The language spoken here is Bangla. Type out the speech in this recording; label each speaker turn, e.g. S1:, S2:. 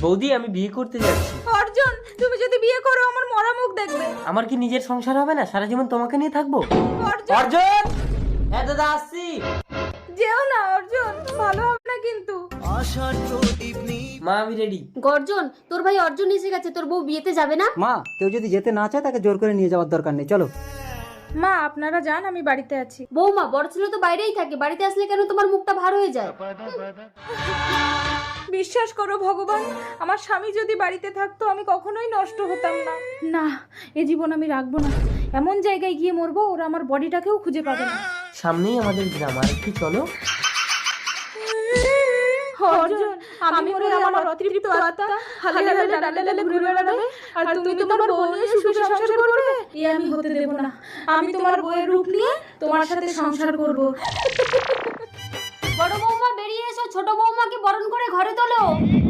S1: বৌদি আমি বিয়ে করতে যাচ্ছি।
S2: অর্জুন, তুমি যদি বিয়ে করো আমার মরা মুখ দেখবে।
S1: আমার কি নিজের সংসার হবে না? সারা জীবন তোমাকে নিয়ে থাকবো।
S2: অর্জুন,
S1: অর্জুন, হ্যাঁ দাদা আসছি।
S2: যেও না অর্জুন, ভালো হবে না কিন্তু।
S1: মা আমি রেডি।
S3: গর্জন, তোর ভাই অর্জুন এসে গেছে, তোর বউ বিয়েতে যাবে না?
S4: মা, কেউ যদি যেতে না চায় তাকে জোর করে নিয়ে যাওয়ার দরকার নেই, চলো।
S2: মা আপনারা যান, আমি বাড়িতে আছি।
S3: বৌমা, বড় ছেলে তো বাইরেই থাকে, বাড়িতে আসলে কেন তোমার মুখটা ভার হয়ে যায়?
S2: বিশ্বাস করো ভগবান, আমার স্বামী যদি বাড়িতে থাকতো আমি কখনোই নষ্ট হতাম না। না, এ জীবন আমি রাখবো না। এমন জায়গায় গিয়ে মরবো ওরা আমার বডিটাকেও খুঁজে পাবে না।
S1: সামনেই আমাদের গ্রাম, আর একটু চলো।
S2: অর্জুন, আমি মরে আমার অতৃপ্ত আত্মা হালে হালে ডালে ডালে ঘুরে বেড়াবে, আর তুমি তোমার বউ নিয়ে সুখে সংসার করবে। এ আমি হতে দেব না। আমি তোমার বউয়ের রূপ নিয়ে তোমার সাথে সংসার করব।
S3: বড় বৌমা বেরিয়ে এসো, ছোট বৌমাকে বরণ করে ঘরে তোলো।